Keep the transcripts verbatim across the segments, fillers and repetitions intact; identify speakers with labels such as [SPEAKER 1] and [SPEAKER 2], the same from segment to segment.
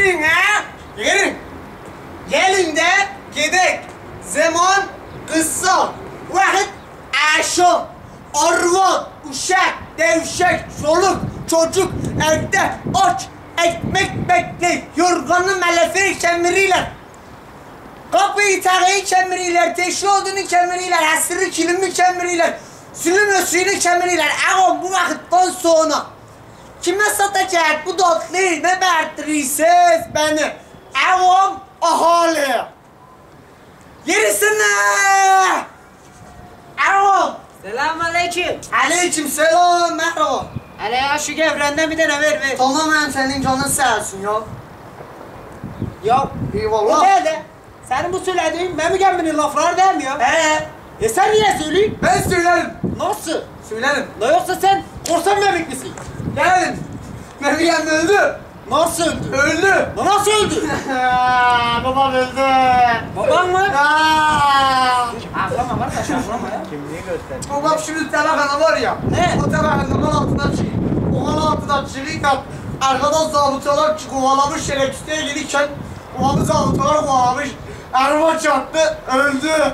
[SPEAKER 1] Gelin ha! Gelin! Gelin de gidek. Zaman kısa. Vakit aşağı. Arvat, uşak, devşek, çoluk, çocuk, evde aç, ekmek bekle, yorganı melefe kemirirler. Kapıyı takıyı kemirirler, teşli odunu kemirirler, hasırı kilimi kemirirler, sülüm ösüğünü kemirirler. Ağam bu vakitten sonra kime satacak bu tatlıyı, ne bertirirsiniz beni? Ağam ahali. Gerisine! Ağam!
[SPEAKER 2] Selamun aleyküm.
[SPEAKER 1] Aleyküm selam, merhaba.
[SPEAKER 2] Hele ya şu gevrenden bir tane ver ver.
[SPEAKER 1] Tamam hem senin canın sağ olsun ya.
[SPEAKER 2] Ya
[SPEAKER 1] Eyvallah.
[SPEAKER 2] o nerede? Senin bu söylediğin Memügen'in lafları değil mi ya?
[SPEAKER 1] Ee,
[SPEAKER 2] E sen niye söyleyeyim?
[SPEAKER 1] ben söylerim.
[SPEAKER 2] Nasıl?
[SPEAKER 1] Söylerim.
[SPEAKER 2] La yoksa sen korsan memik misin?
[SPEAKER 1] Gelelim. Meryem öldü.
[SPEAKER 2] Nasıl öldü?
[SPEAKER 1] Öldü.
[SPEAKER 2] La nasıl öldü?
[SPEAKER 1] Babam öldü.
[SPEAKER 2] Baban mı?
[SPEAKER 1] Aa.
[SPEAKER 2] Ağlama kardeş ağlama ya.
[SPEAKER 3] Kimliği göster.
[SPEAKER 1] Babam şimdi tabakana var ya.
[SPEAKER 2] Ne?
[SPEAKER 1] O tabakanın altından çıkıyor. O altından çıkıyor. Arkadan zabıtalar kovalamış şerefsizliğe gelirken babamı zabıtalar kovalamış. Araba çarptı, öldü.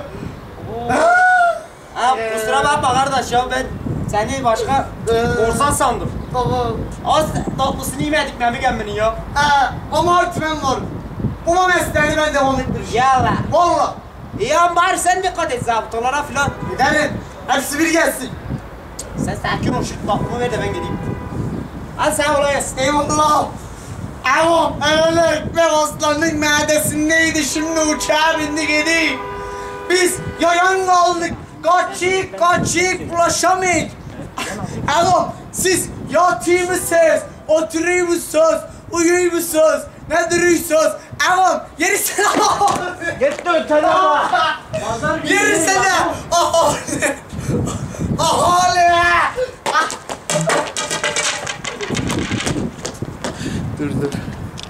[SPEAKER 2] Ha kusura bakma kardeş ya ben seni başka korsan sandım.
[SPEAKER 1] Baba.
[SPEAKER 2] Az tatlısını yemedik Memügen'in ya.
[SPEAKER 1] Ee, ama artık ben varım. Bu mesleğini ben devam ettireceğim.
[SPEAKER 2] Yalla.
[SPEAKER 1] Valla.
[SPEAKER 2] İyi ama bari sen dikkat et zabıtalara filan.
[SPEAKER 1] Gidelim. Hepsi bir gelsin.
[SPEAKER 2] Sen sakin ol şu tatlımı ver de ben gideyim. Hadi sen olayasın.
[SPEAKER 1] Eyvallah. Ama öyle ekmek aslanın midesindeydi, şimdi uçağa bindi gidiyor. Biz yayan kaldık, kaçık kaçık ulaşamayız. Oğlum siz yatıyor musunuz, oturuyor musunuz, uyuyor musunuz, ne duruyorsunuz? Oğlum yerisine
[SPEAKER 3] Git de ötene bak.
[SPEAKER 1] yerisine ahali ahali.
[SPEAKER 3] Dur dur.